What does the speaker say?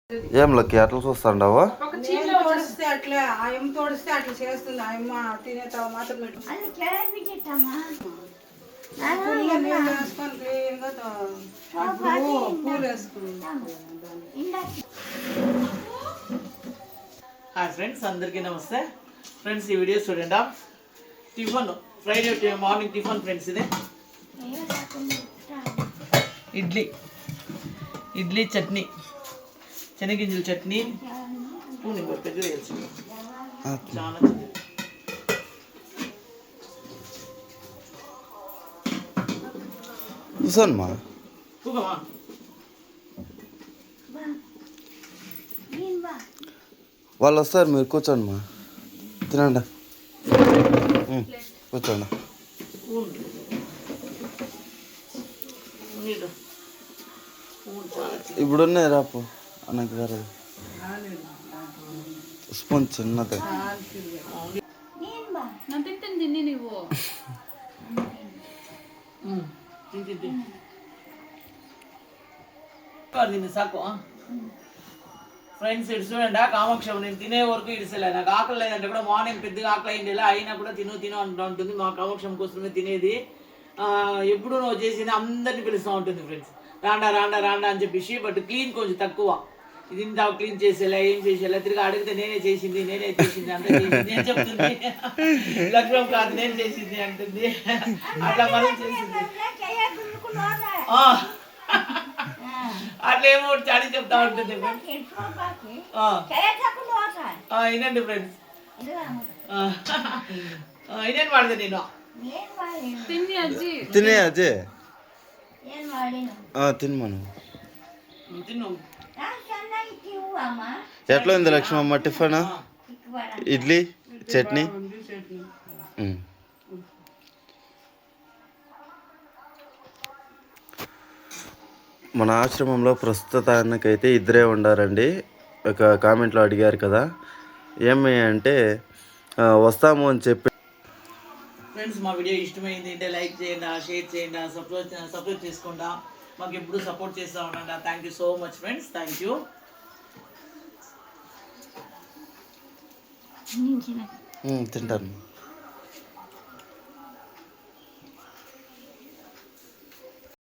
ఏం లక్కి అట్లా చూస్తాండావా? తోడిస్తే అట్లా ఆయమ్మ తోడిస్తే అట్లా చేస్తుంది. ఆయమ్మ తినేతావు మాత్రం వేసుకొని క్లీన్గా పూలు వేసుకుంది. హాయ్ ఫ్రెండ్స్, అందరికీ నమస్తే ఫ్రెండ్స్. ఈ వీడియో చూడండి. Tiffin Friday morning tiffin friends. ఇదే ఇడ్లీ చట్నీ, శనగింజల చట్నీ. స్పూన్ ఇంకో పెద్దది వేసి చాలా కూర్చోనమ్మా, కూకమా. వాళ్ళు వస్తారు, మీరు కూర్చోండి మా, తినండి, కూర్చోండి. ఇప్పుడున్నాయి రాపు అన్నకి వేరే స్పూన్ చిన్నది. సాకు ఫ్రెండ్స్. ఇటు చూడండి, కామాక్షం నేను తినే వరకు ఇడిసలే. నాకు ఆకలి లేదంటే కూడా మార్నింగ్ పెద్దగా ఆకలి అయింది, అయినా కూడా తిను అంటూ ఉంటుంది. మా కామాక్షం కోసమే తినేది. ఎప్పుడు నువ్వు చేసింది అందరినీ పిలుస్తూ ఉంటుంది ఫ్రెండ్స్. రాండా రాండా రాండా అని చెప్పేసి. బట్ క్లీన్ కొంచెం తక్కువ. ఇది ఇంత క్లీన్ చేసేలా, ఏం చేసేలా, తిరిగి అడిగితే నేనే చేసింది అంత చేసింది అని చెప్తుంది. లక్ష్మం కాదు నేను చేసింది అంటుంది. అట్లా మనం చేసింది అట్లా ఏమో చాడీ చెప్తా ఉంటుంది. వినండి ఫ్రెండ్స్, ఇదేం వాడదు నేను తినే అజయ్ తినమను. తిన్ను. ఎట్లా ఉంది లక్ష్మమ్మ టిఫన్? ఇడ్లీ చట్నీ. మన ఆశ్రమంలో ప్రస్తుతానికైతే ఇద్దరే ఉండారండి. ఒక కామెంట్లో అడిగారు కదా ఏమి అంటే వస్తాము అని చెప్పి. ఫ్రెండ్స్, మా వీడియో ఇష్టమైంది అంటే లైక్ చేయండి, షేర్ చేయండి, సబ్స్క్రైబ్ చేసుకోండి. మాకు ఎప్పుడు సపోర్ట్ చేస్తూ ఉండండి. Thank you so much friends, thank you. తింటాను.